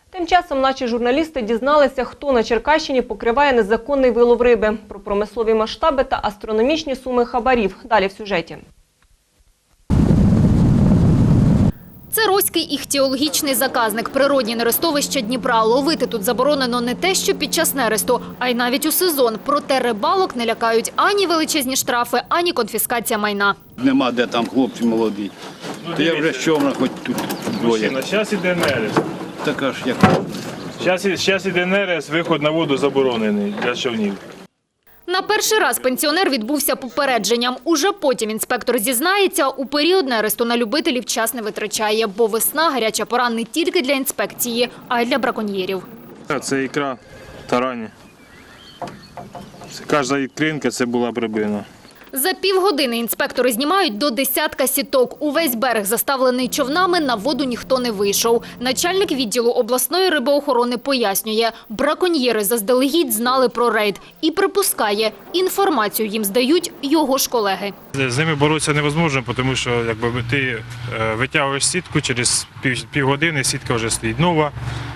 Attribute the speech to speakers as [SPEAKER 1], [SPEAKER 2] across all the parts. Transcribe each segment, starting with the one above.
[SPEAKER 1] Тим часом наші журналісти дізналися, хто на Черкащині покриває незаконний вилов риби, про промислові масштаби та астрономічні суми хабарів. Далі в сюжеті.
[SPEAKER 2] Це Роський іхтіологічний заказник, природні нерестовища Дніпра. Ловити тут заборонено не те, що під час нересту, а й навіть у сезон. Проте рибалок не лякають ані величезні штрафи, ані конфіскація майна.
[SPEAKER 3] Нема де там хлопці молоді. То я вже човна хоч тут двоє.
[SPEAKER 4] Зараз іде нерест.
[SPEAKER 3] Така ж як.
[SPEAKER 4] Зараз іде нерест, виход на воду заборонений для човнів.
[SPEAKER 2] На перший раз пенсіонер відбувся попередженням. Уже потім інспектор зізнається, у період нересту на любителів час не витрачає, бо весна – гаряча пора не тільки для інспекції, а й для браконьєрів.
[SPEAKER 4] Це ікра, тарані. Кожна ікринка – це була б рибина.
[SPEAKER 2] За півгодини інспектори знімають до десятка сіток. Увесь берег заставлений човнами, на воду ніхто не вийшов. Начальник відділу обласної рибоохорони пояснює, браконьєри заздалегідь знали про рейд і припускає, інформацію їм здають його ж колеги.
[SPEAKER 4] З ними боротися невозможно, тому що ти витягуєш сітку, через півгодини сітка вже стоїть нова.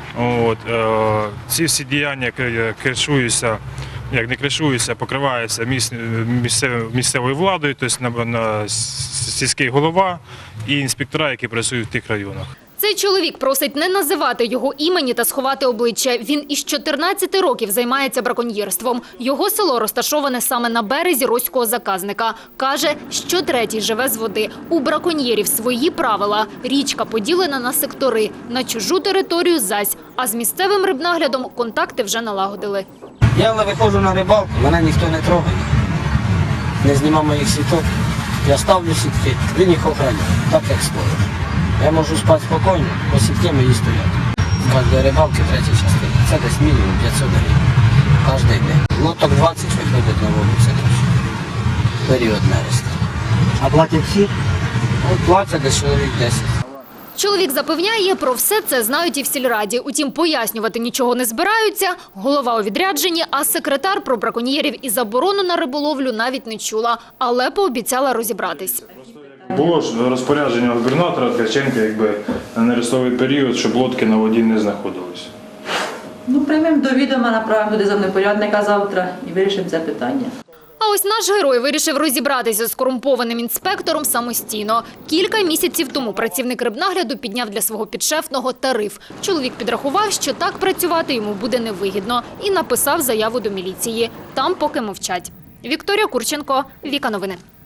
[SPEAKER 4] Ці всі діяння кришуються. Як не кришуються, покриваються місцевою владою, тобто на сільський голова і інспектора, які працюють в тих районах.
[SPEAKER 2] Цей чоловік просить не називати його імені та сховати обличчя. Він із 14 років займається браконьєрством. Його село розташоване саме на березі Роського заказника. Каже, що третій живе з води. У браконьєрів свої правила. Річка поділена на сектори, на чужу територію зась. А з місцевим рибнаглядом контакти вже налагодили.
[SPEAKER 5] Я виходжу на рибалку, мене ніхто не трогає, не знімав моїх сіток. Я ставлю сітки, він їх охороняє, так як стоїть. Я можу спати спокійно, бо сітки мої стоять. З кожної рибалки третя частина. Це десь мінімум 500 гривень. Кожен день. Лоток 20 виходить на воду, це період нересту.
[SPEAKER 6] А платять всі?
[SPEAKER 5] Платять десь чоловік 10.
[SPEAKER 2] Чоловік запевняє, про все це знають і в сільраді. Утім, пояснювати нічого не збираються. Голова у відрядженні, а секретар про браконьєрів і заборону на риболовлю навіть не чула. Але пообіцяла розібратись.
[SPEAKER 4] Було ж розпорядження губернатора Ткаченка, на нерестовий період, щоб лодки на воді не знаходились.
[SPEAKER 7] Приймемо до відома, направимо туди землепорядника завтра і вирішимо це питання.
[SPEAKER 2] А ось наш герой вирішив розібратися з корумпованим інспектором самостійно. Кілька місяців тому працівник рибнагляду підняв для свого підшефного тариф. Чоловік підрахував, що так працювати йому буде невигідно, і написав заяву до міліції. Там поки мовчать. Вікторія Курченко, Віка Новини.